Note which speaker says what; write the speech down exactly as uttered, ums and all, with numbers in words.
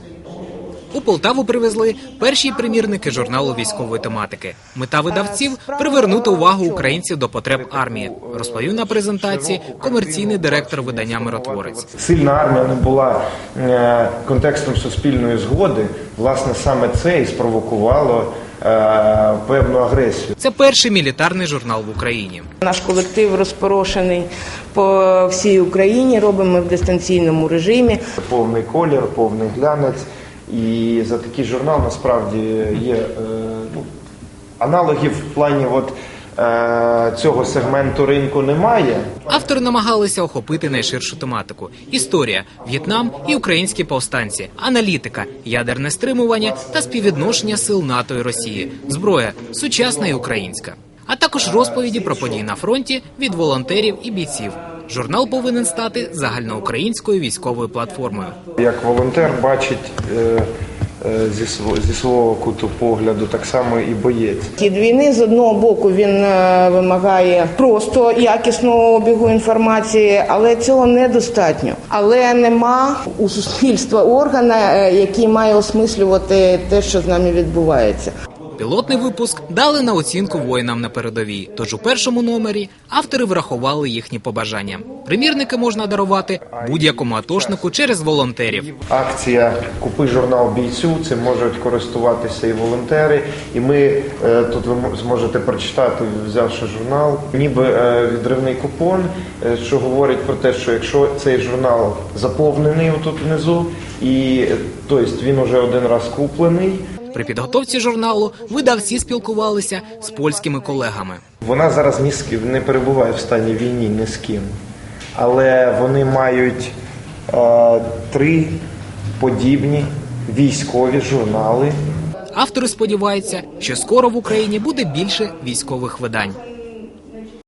Speaker 1: У Полтаву привезли перші примірники журналу військової тематики. Мета видавців – привернути увагу українців до потреб армії, розповів на презентації комерційний директор видання «Миротворець».
Speaker 2: Сильна армія не була контекстом суспільної згоди. Власне, саме це і спровокувало певну агресію.
Speaker 1: Це перший мілітарний журнал в Україні.
Speaker 3: Наш колектив розпорошений по всій Україні, робимо в дистанційному режимі.
Speaker 2: Повний колір, повний глянець. І за такий журнал насправді є е, ну, аналогів в плані от, е, цього сегменту ринку немає.
Speaker 1: Автори намагалися охопити найширшу тематику – історія, В'єтнам і українські повстанці, аналітика, ядерне стримування та співвідношення сил НАТО і Росії, зброя – сучасна і українська. А також розповіді про події на фронті від волонтерів і бійців. Журнал повинен стати загальноукраїнською військовою платформою.
Speaker 2: Як волонтер бачить е, е, зі, свого, зі свого куту погляду, так само і боєць.
Speaker 3: Хід війни, з одного боку, він е, вимагає просто якісного обігу інформації, але цього недостатньо. Але нема у суспільства органа, е, який має осмислювати те, що з нами відбувається.
Speaker 1: Пілотний випуск дали на оцінку воїнам на передовій, тож у першому номері автори врахували їхні побажання. Примірники можна дарувати будь-якому атошнику через волонтерів.
Speaker 2: Акція «Купи журнал бійцю», цим можуть користуватися і волонтери. І ми, тут ви зможете прочитати, взявши журнал, ніби відривний купон, що говорить про те, що якщо цей журнал заповнений отут внизу, і тобто він уже один раз куплений.
Speaker 1: При підготовці журналу видавці спілкувалися з польськими колегами.
Speaker 2: Вона зараз ні з ким не перебуває в стані війни, ні з ким. Але вони мають е, три подібні військові журнали.
Speaker 1: Автори сподіваються, що скоро в Україні буде більше військових видань.